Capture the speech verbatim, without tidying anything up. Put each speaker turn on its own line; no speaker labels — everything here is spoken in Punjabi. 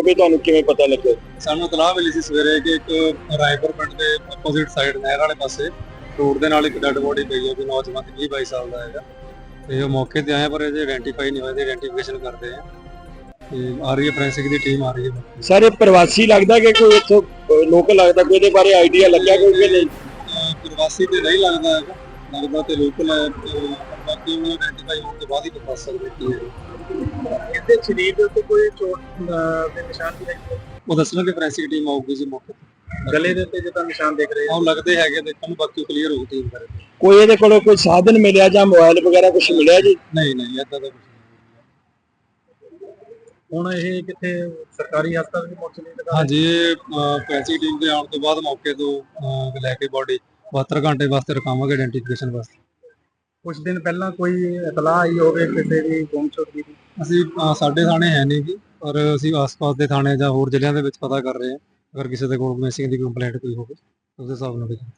ਪਈ, ਤੁਹਾਨੂੰ ਕਿਵੇਂ ਪਤਾ ਲੱਗਿਆ?
ਸਾਨੂੰ ਇਤਲਾਹ ਮਿਲੀ ਸੀ ਸਵੇਰੇ ਕਿ ਇੱਕ ਰਾਏਪੁਰ ਪਿੰਡ ਦੇ ਆਪੋਜ਼ਿਟ ਸਾਈਡ ਨਹਿਰ ਵਾਲੇ ਪਾਸੇ ਰੋਡ ਦੇ ਨਾਲ ਇੱਕ ਡੈਡ ਬੋਡੀ ਪਈ ਹੈ, ਕੋਈ ਨੌਜਵਾਨ ਵੀਹ ਬਾਈ ਸਾਲ ਦਾ ਹੈਗਾ। ਤੇ ਉਹ ਮੌਕੇ ਤੇ ਆਏ ਪਰ ਇਹਦੇ ਆਇਡੈਂਟੀਫਾਈ ਨਹੀਂ ਹੋਏ, ਤੇ ਆਇਡੈਂਟੀਫਿਕੇਸ਼ਨ ਕਰਦੇ ਆ ਤੇ ਆ ਰਹੀ ਹੈ ਫੋਰੈਂਸਿਕ ਦੀ ਟੀਮ ਆ ਰਹੀ ਹੈ।
ਸਰ ਇਹ ਪ੍ਰਵਾਸੀ ਲੱਗਦਾ ਕਿ ਕੋਈ ਇੱਥੋਂ ਲੋਕਲ ਲੱਗਦਾ, ਕੋਈ ਇਹਦੇ ਬਾਰੇ ਆਈਡੀਆ ਲੱਗਿਆ ਕੋਈ ਕਿ ਨਹੀਂ?
ਪ੍ਰਵਾਸੀ ਤੇ ਨਹੀਂ ਲੱਗਦਾ ਹੈਗਾ, ਲੱਗਦਾ ਤੇ ਲੋਕਲ ਹੈ, ਤੇ ਬਾਕੀ ਉਹ ਆਇਡੈਂਟੀਫਾਈ ਹੋਣ ਤੋਂ ਬਾਅਦ ਹੀ ਦੱਸ ਸਕਦੇ ਕੀ ਹੈ।
ਇਹਦੇ ਸਰੀਰ ਦੇ ਉੱਤੇ ਕੋਈ ਚੋਟ ਦੇ ਨਿਸ਼ਾਨ ਵੀ ਨਹੀਂ?
ਉਹ ਦੱਸਣਾ ਕਿ ਫੋਰੈਂਸਿਕ ਟੀਮ ਆਊਗੀ ਜੀ ਮੌਕੇ ਤੇ।
ਗਲੇ ਦੇ ਉੱਤੇ ਜਿੱਦਾਂ ਨਿਸ਼ਾਨ ਦੇਖ ਰਹੇ
ਉਹ ਲੱਗਦੇ ਹੈਗੇ, ਦੇਖਣ ਨੂੰ ਬਾਕੀ ਕਲੀਅਰ ਹੋਊ ਟੀਮ ਕਰੇ।
ਕੋਈ ਇਹਦੇ ਕੋਲੋਂ ਕੋਈ ਸਾਧਨ ਮਿਲਿਆ ਜਾਂ ਮੋਬਾਈਲ ਵਗੈਰਾ ਕੁਝ ਮਿਲਿਆ ਜੀ?
ਨਹੀਂ ਨਹੀਂ ਏਦਾਂ ਦਾ ਕੁਝ ਨਹੀਂ।
ਹੁਣ ਇਹ ਕਿੱਥੇ ਸਰਕਾਰੀ ਹਸਪਤਾਲ ਦੀ ਮੋਰਚਰੀ ਲਗਾ?
ਹਾਂਜੀ, ਇਹ ਫੋਰੈਂਸਿਕ ਟੀਮ ਦੇ ਆਉਣ ਤੋਂ ਬਾਅਦ ਮੌਕੇ ਤੋਂ ਅਹ, ਲੈ ਕੇ ਬੋਡੀ ਬਹੱਤਰ ਘੰਟੇ ਵਾਸਤੇ ਰਖਾਵਾਂਗੇ ਆਇਡੈਂਟੀਫਿਕੇਸ਼ਨ ਵਾਸਤੇ।
ਕੁਝ ਦਿਨ ਪਹਿਲਾਂ ਕੋਈ ਇਤਲਾਹ ਆਈ ਹੋਵੇ ਕਿਸੇ ਦੀ ਗੁੰਮਸ਼ੁਦਗੀ ਦੀ?
ਅਸੀਂ ਅਹ, ਸਾਡੇ ਥਾਣੇ ਹੈ ਨਹੀਂ ਜੀ, ਪਰ ਅਸੀਂ ਆਸ-ਪਾਸ ਦੇ ਥਾਣੇ ਜਾਂ ਹੋਰ ਜ਼ਿਲ੍ਹਿਆਂ ਦੇ ਵਿੱਚ ਪਤਾ ਕਰ ਰਹੇ ਹਾਂ। ਅਗਰ ਕਿਸੇ ਦੇ ਕੋਲ ਮਿਸਿੰਗ ਦੀ ਕੰਪਲੇਂਟ ਕੋਈ ਹੋਵੇ ਉਸ ਦੇ ਹਿਸਾਬ ਨਾਲ ਵੀ